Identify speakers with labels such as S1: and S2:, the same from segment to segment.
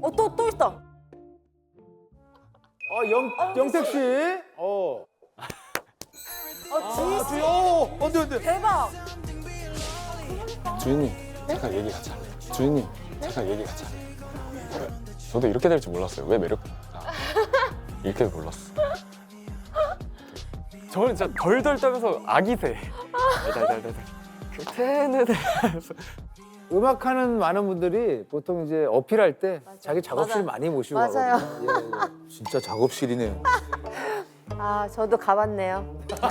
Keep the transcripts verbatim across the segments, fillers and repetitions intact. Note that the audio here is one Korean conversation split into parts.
S1: 어, 또, 또 있다.
S2: 어, 영, 영택 씨. 어.
S1: 어, 주희 씨.
S2: 주희, 어, 언제, 언제.
S1: 대박.
S3: 주인님 잠깐 얘기 같이 할래요? 주인님 잠깐 얘기 같이 할래요? 저도 이렇게 될 줄 몰랐어요. 왜 매력 아, 이렇게 몰랐어. 저는 진짜 덜덜 떨면서 아기새 달달달달 그때는
S2: 음악하는 많은 분들이 보통 이제 어필할 때 자기 작업실
S1: 맞아요.
S2: 많이 모시고
S1: 맞아요.
S2: 가거든요. 예, 예. 진짜 작업실이네요.
S1: 아, 저도 가봤네요.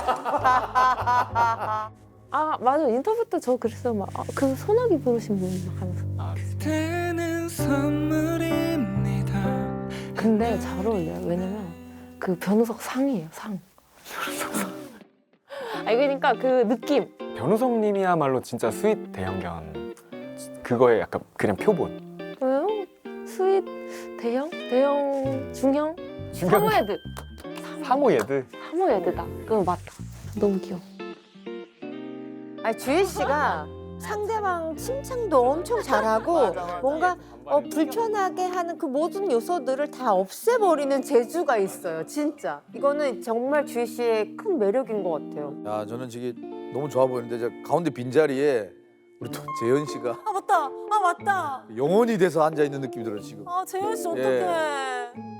S4: 아 맞아 인터뷰 때 저 그랬어요. 막 그 소나기 부르신 분 막 하면서.
S3: 아,
S5: 그때는 선물입니다.
S4: 근데 잘 어울려요. 왜냐면 그 변우석 상이에요 상. 변우석 상. 아니 그러니까 그 느낌.
S3: 변우성님이야말로 진짜 스윗 대형견 그거에 약간 그냥 표본.
S4: 왜요? 스윗 대형? 대형 중형?
S3: 중형.
S4: 사모예드.
S3: 사모예드.
S4: 사모예드다. 그거 맞다. 너무 귀여워.
S1: 아니, 주희 씨가 상대방 칭찬도 엄청 잘하고 뭔가 어, 불편하게 하는 그 모든 요소들을 다 없애버리는 재주가 있어요, 진짜. 이거는 정말 주희 씨의 큰 매력인 것 같아요.
S2: 야, 저는 지금 너무 좋아 보이는데 저 가운데 빈자리에 우리 또 재현 씨가
S1: 아, 맞다. 아, 맞다.
S2: 영혼이 돼서 앉아 있는 느낌이 들어요, 지금.
S1: 아, 재현 씨
S2: 예.
S1: 어떡해.